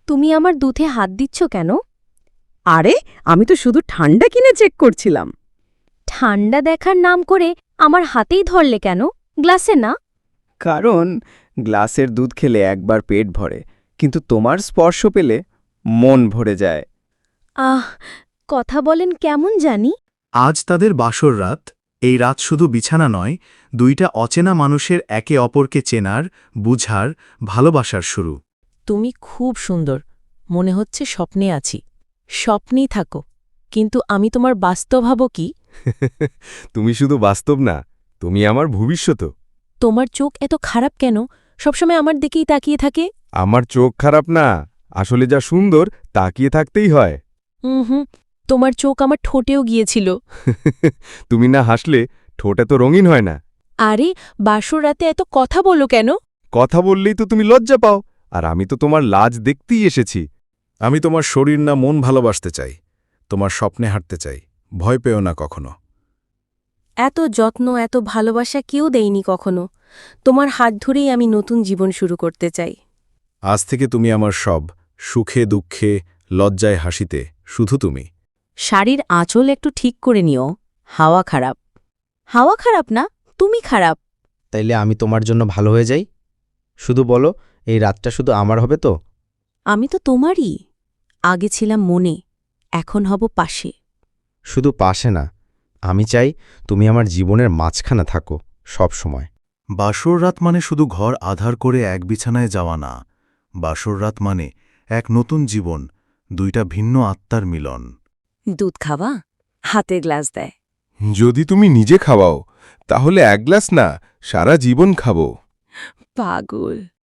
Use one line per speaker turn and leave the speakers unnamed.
তুমি আমার দুধে হাত দিচ্ছ কেন?
আরে আমি তো শুধু ঠান্ডা কিনে চেক করছিলাম।
ঠান্ডা দেখার নাম করে আমার হাতেই ধরলে কেন, গ্লাসে না?
কারণ গ্লাসের দুধ খেলে একবার পেট ভরে, কিন্তু তোমার স্পর্শ পেলে মন ভরে যায়।
আহ, কথা বলেন কেমন জানি।
আজ তাদের বাসর রাত। এই রাত শুধু বিছানা নয়, দুইটা অচেনা মানুষের একে অপরকে চেনার, বুঝার, ভালোবাসার শুরু।
তুমি খুব সুন্দর, মনে হচ্ছে স্বপ্নে আছি। স্বপ্নেই থাকো, কিন্তু আমি তোমার বাস্তব হব কি?
তুমি শুধু বাস্তব না, তুমি আমার ভবিষ্যৎও।
তোমার চোখ এত খারাপ কেন? সবসময় আমার দিকেই তাকিয়ে থাকে।
আমার চোখ খারাপ না, আসলে যা সুন্দর তাকিয়ে থাকতেই হয়।
হুম, তোমার চোখ আমার ঠোঁটেও গিয়েছিল।
তুমি না হাসলে ঠোঁটে তো রঙিন হয় না।
আরে, বাসর রাতে এত কথা বলো কেন?
কথা বললেই তো তুমি লজ্জা পাও, আর আমি তো তোমার লাজ দেখতেই এসেছি।
আমি তোমার শরীর না মন ভালোবাসতে চাই, তোমার স্বপ্নে হাঁটতে চাই। ভয় পেও না কখনো।
এত যত্ন, এত ভালোবাসা কেউ দেয়নি কখনো। তোমার হাত ধরেই আমি নতুন জীবন শুরু করতে চাই।
আজ থেকে তুমি আমার সব, সুখে দুঃখে, লজ্জায় হাসিতে, শুধু তুমি।
শাড়ির আঁচল একটু ঠিক করে নিও, হাওয়া খারাপ। হাওয়া খারাপ না, তুমি খারাপ।
তাইলে আমি তোমার জন্য ভালো হয়ে যাই? শুধু বলো, এই রাতটা শুধু আমার হবে তো?
আমি তো তোমারই। আগে ছিলাম মনে, এখন হব পাশে।
শুধু পাশে না, আমি চাই তুমি আমার জীবনের মাঝখানে থাকো সব সময়।
বাসর রাত মানে শুধু ঘর আধার করে এক বিছানায় যাওয়া না। বাসর রাত মানে এক নতুন জীবন, দুইটা ভিন্ন আত্মার মিলন।
দুধ খাওয়া? হাতে গ্লাস দেয়।
যদি তুমি নিজে খাওয়াও, তাহলে এক গ্লাস না, সারা জীবন খাবো।
পাগল।